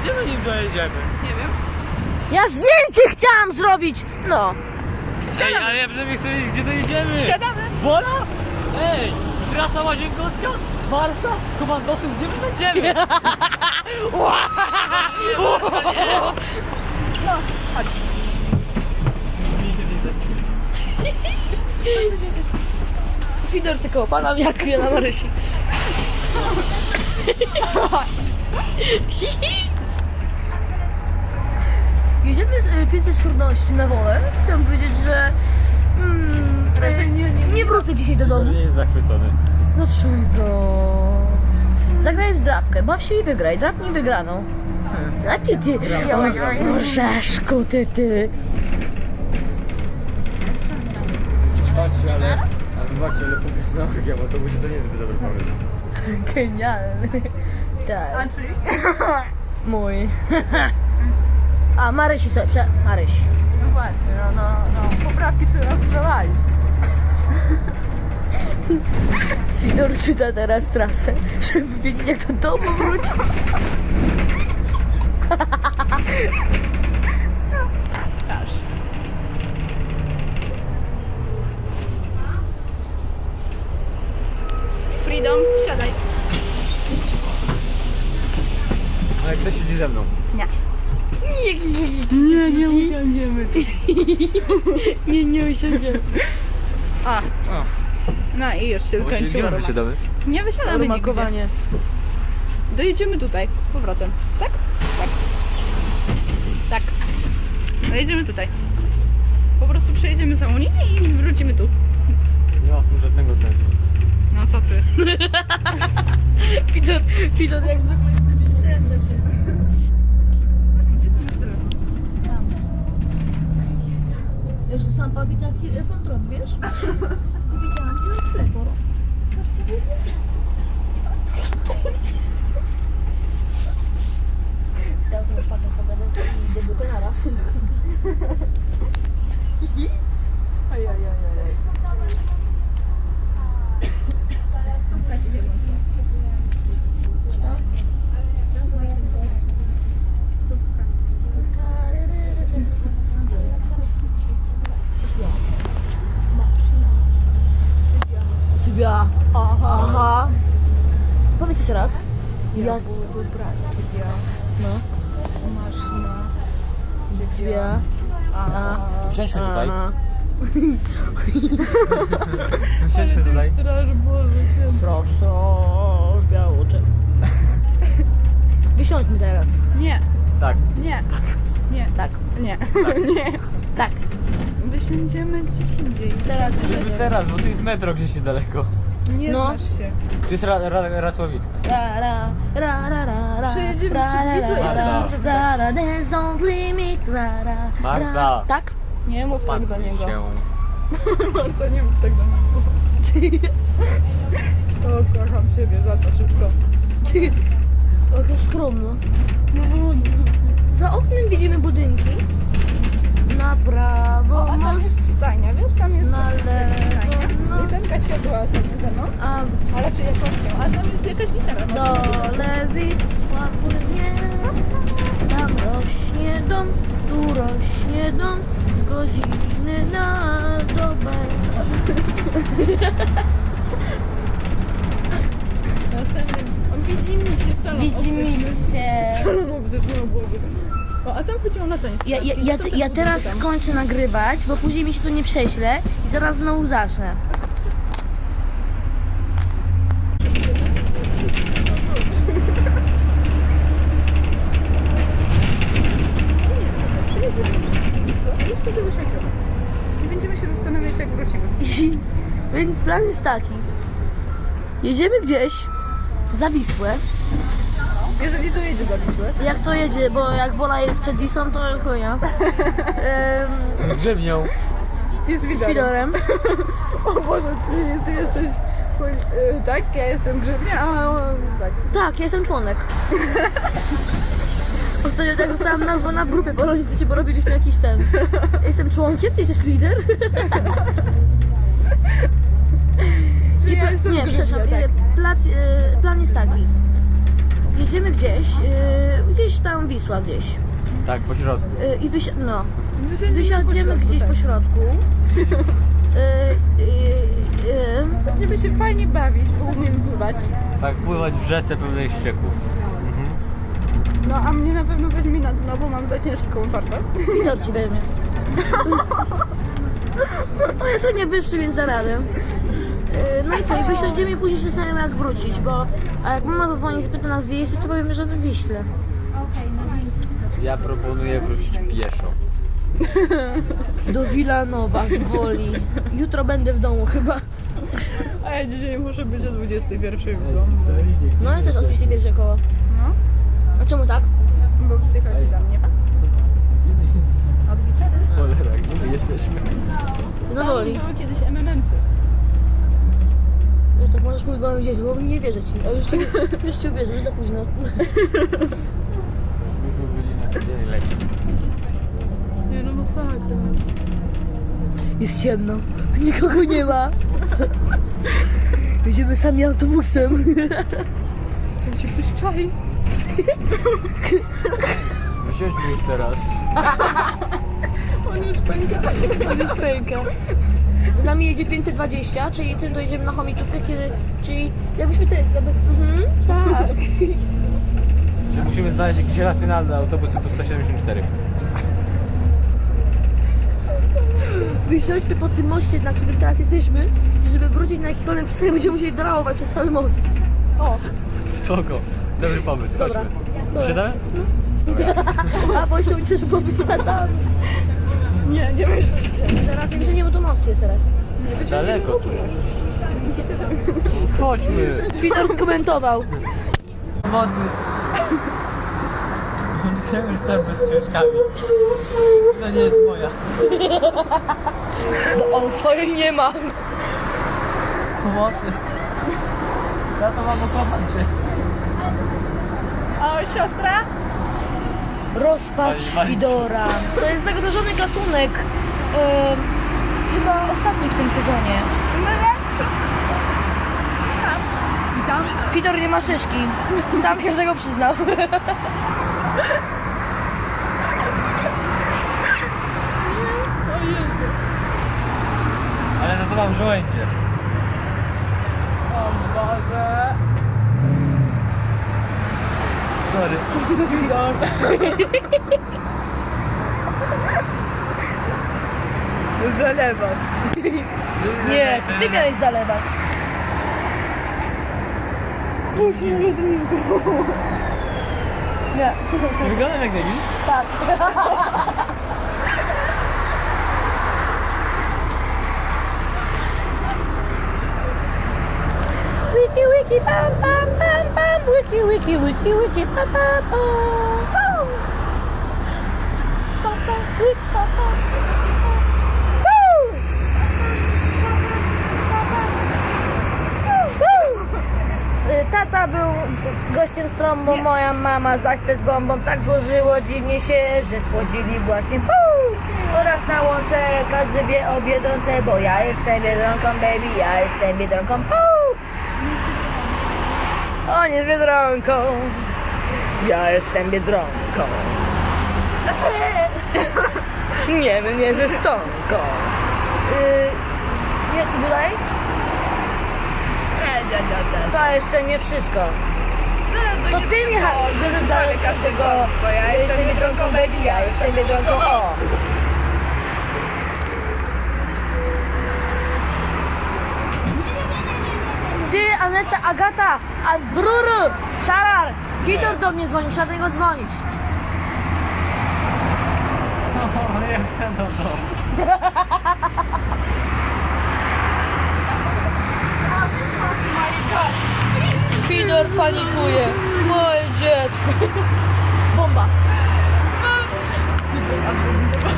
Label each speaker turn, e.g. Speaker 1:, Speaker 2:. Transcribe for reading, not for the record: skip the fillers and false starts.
Speaker 1: Gdzie my nim dojedziemy?
Speaker 2: Nie wiem.
Speaker 3: Ja zdjęcie chciałam zrobić! No.
Speaker 1: Ej, ale ja przynajmniej chcę wiedzieć, gdzie dojedziemy.
Speaker 2: Siadamy.
Speaker 1: Wola? Ej, trasa Łazienkowska? Marsa? Komandosów, gdzie my będziemy?
Speaker 2: No, chodź.
Speaker 3: Fidor tylko pana jak ja na Marysi. Jedziemy z 5 trudności na wolę. Chciałam powiedzieć, że nie wrócę dzisiaj do domu.
Speaker 1: Nie jest zachwycony.
Speaker 3: Dlaczego? Zagraj w drapkę, baw się i wygraj. Drapnij wygraną. A ty, orzeszku, ty.
Speaker 1: Wybaczcie, ale publiczny okrzyk w autobusie to nie jest zbyt dobry pomysł.
Speaker 3: Genialny. Tak.
Speaker 2: A czyli?
Speaker 3: Mój. A Marysi sobie, Maryś.
Speaker 2: No właśnie, no. Poprawki trzeba wprowadzić.
Speaker 3: Fidor czyta teraz trasę, żeby wiedzieć jak do domu wrócić.
Speaker 2: Aż. Freedom, siadaj.
Speaker 1: Ale ktoś siedzi ze mną.
Speaker 2: Nie.
Speaker 3: Nie usiądziemy. Nie usiądziemy.
Speaker 2: A. No i już się skończyło.
Speaker 1: Gdzie my wysiadamy?
Speaker 2: Nie wysiadamy nigdzie.
Speaker 3: Rumakowanie.
Speaker 2: Dojedziemy tutaj, z powrotem. Tak? Tak. Tak. Dojedziemy tutaj. Po prostu przejedziemy całą linię i wrócimy tu.
Speaker 1: Nie ma w tym żadnego sensu.
Speaker 2: No co ty?
Speaker 3: Fidor jak zwykle chce być serdecznie. Już sam po habitacji kontrol, wiesz? I widziałam, że jest lepo. Teraz już patrzę po gazetę i idę do Penara.
Speaker 2: Ojej.
Speaker 3: Cybia. Aha. Powiedz jeszcze raz. Ja.
Speaker 2: Dobra, Cybia.
Speaker 3: No.
Speaker 2: Maszyna.
Speaker 3: Cybia.
Speaker 1: Wsiądźmy tutaj. Wsiądźmy tutaj.
Speaker 2: Straż Boże.
Speaker 3: Straż białoczek. Wysiądźmy teraz.
Speaker 2: Nie,
Speaker 1: Tak.
Speaker 2: nie. Nie.
Speaker 3: Tak.
Speaker 2: Nie. Nie.
Speaker 3: Tak.
Speaker 2: Wysiądziemy gdzieś indziej.
Speaker 3: Teraz
Speaker 1: Żeby teraz, bo tu jest metro gdzieś niedaleko.
Speaker 2: Nie
Speaker 3: No.
Speaker 2: znasz się.
Speaker 1: Tu jest Racławicko.
Speaker 2: Przejedziemy przez Wisłę i
Speaker 3: ra, there's only limit,
Speaker 1: Marta.
Speaker 3: Tak?
Speaker 2: Nie mów tak do niego.
Speaker 1: się.
Speaker 2: Marta, nie mów tak do niego. O, kocham siebie za to wszystko.
Speaker 3: Jaka skromno. Za oknem widzimy budynki. Na prawo
Speaker 2: A tam
Speaker 3: most,
Speaker 2: jest stajnia, wiesz? Tam jest
Speaker 3: na lewo no.
Speaker 2: Jedynka światła ostatnio ze mną.
Speaker 3: A
Speaker 2: A raczej jakością. A tam jest jakaś gitara.
Speaker 3: dole Wisła płynie. Tam rośnie dom, tu rośnie dom. Z godziny na dobę.
Speaker 2: Następnym. Widzimy się salon.
Speaker 3: Widzimy się.
Speaker 2: Salon obdywnego byłoby. O, a tam chodziło na tenis.
Speaker 3: Ja teraz skończę nagrywać, bo później mi się to nie prześle i zaraz znowu zacznę.
Speaker 2: Już wtedy wysiądziemy. I będziemy się zastanawiać, jak wrócimy.
Speaker 3: Więc plan jest taki. Jedziemy gdzieś za Wisłę.
Speaker 2: Jeżeli dojedzie za Wisłę.
Speaker 3: Jak to jedzie, bo jak Wola jest przed Wisłą, to chuja.
Speaker 1: Z grzybnią.
Speaker 2: I z
Speaker 3: Z Fidorem.
Speaker 2: O Boże, ty jesteś... tak, ja jestem Grzybnia, a on tak.
Speaker 3: Tak, ja jestem członek. Ostatnio tak zostałam nazwana w grupie polonicy, bo robiliśmy jakiś ten. Ja jestem członkiem, ty jesteś lider.
Speaker 2: Czyli ja jestem
Speaker 3: Nie,
Speaker 2: Grzybnia,
Speaker 3: przepraszam,
Speaker 2: tak.
Speaker 3: plan jest taki. jedziemy gdzieś tam Wisła gdzieś.
Speaker 1: Tak, po środku.
Speaker 3: I
Speaker 2: Wysiądziemy
Speaker 3: wysiądziemy gdzieś
Speaker 2: tak.
Speaker 3: po środku.
Speaker 2: Będziemy się fajnie bawić, bo umiem pływać.
Speaker 1: Tak, pływać w rzece pełnej ścieków.
Speaker 2: No a mnie na pewno weźmie na dno, bo mam za ciężką torbę.
Speaker 3: Fidor ci weźmie. On jest nie wyższy, więc za radę. No i co, i wysiądziemy i później się zastanawiamy jak wrócić, bo a jak mama zadzwoni i spyta nas gdzie jesteś, to powiemy, że w Wiśle.
Speaker 1: Ja proponuję wrócić pieszo.
Speaker 3: Do Wilanowa z Woli. Jutro będę w domu chyba.
Speaker 2: A ja dzisiaj muszę być o 21 w domu.
Speaker 3: No ale też odpisz pierwsze koło.
Speaker 2: No,
Speaker 3: A czemu tak?
Speaker 2: bo przychodzi do mnie. Odbicie?
Speaker 1: Cholera, gdzie my jesteśmy?
Speaker 3: No Woli.
Speaker 2: Były kiedyś MMM-sy.
Speaker 3: Już tak możesz mówić moim dzieciom, bo nie wierzę ci. A już ci uwierzę, już za późno.
Speaker 1: Myśmy byli na dzień leci.
Speaker 2: Nie no, masakra.
Speaker 3: Jest ciemno. Nikogo nie ma. Jedziemy sami autobusem.
Speaker 2: Tam się ktoś czai.
Speaker 1: Wysiądźmy już teraz.
Speaker 2: On już pęka. On już pęka.
Speaker 3: Z nami jedzie 520, czyli tym dojedziemy na chomiczówkę, czyli jakbyśmy tak.
Speaker 1: Że musimy znaleźć jakiś racjonalny autobus typu 174.
Speaker 3: Wysiądźmy po tym moście, na którym teraz jesteśmy, i żeby wrócić na jakikolwiek przystanek, będziemy musieli drałować przez cały most.
Speaker 2: O,
Speaker 1: Spoko. Dobry pomysł,
Speaker 3: Dobra.
Speaker 1: chodźmy.
Speaker 3: Dobra.
Speaker 1: Wsiadamy?
Speaker 3: A bo się ucieszę, bo wysiadamy.
Speaker 2: nie weź.
Speaker 3: Teraz nie wysiądziemy, bo to most jest teraz.
Speaker 1: Daleko tu jest. Chodźmy.
Speaker 3: Fidor skomentował.
Speaker 1: Pomocy. Odkryłem już torbę z książkami. To nie jest moja.
Speaker 3: Bo on swojej nie ma.
Speaker 1: Pomocy. Tato, mamo, kocham cię.
Speaker 2: O, siostra?
Speaker 3: Rozpacz Fidora. To jest zagrożony gatunek. Chyba ostatni w tym sezonie.
Speaker 2: I tam?
Speaker 3: Fidor nie ma szyszki. Sam się do tego przyznał.
Speaker 2: O Jezu.
Speaker 1: Ale za to mam żołędzie.
Speaker 2: O Boże.
Speaker 1: Sorry.
Speaker 2: Zalewasz.
Speaker 3: Nie, ty miałeś zalewać. Nie.
Speaker 1: Czy wyglądam jak debil?
Speaker 3: Tak. Wiki wiki pam pam pam pam wiki wiki wiki wiki pam pam pam pam pam pam wiki pam pam. Tata był gościem z trąbą, moja mama zaś z bombą. Tak złożyło dziwnie się, że spłodzili właśnie oraz na łące każdy wie o Biedronce, bo ja jestem Biedronką, baby, ja jestem Biedronką. On jest Biedronką, ja jestem Biedronką. Nie wiem, nie ze stonką. Nie, co dalej? To jeszcze nie wszystko. To ty mi zalegasz tego.
Speaker 2: Bo ja jestem Biedronką, baby,
Speaker 3: ja jestem Biedronką. O! Ty, Aneta, Agata, Bruru, Szarar, Fidor do mnie dzwoni, trzeba do niego dzwonić.
Speaker 1: O, jestem to.
Speaker 3: Fidor panikuje. Moje dziecko. Bomba.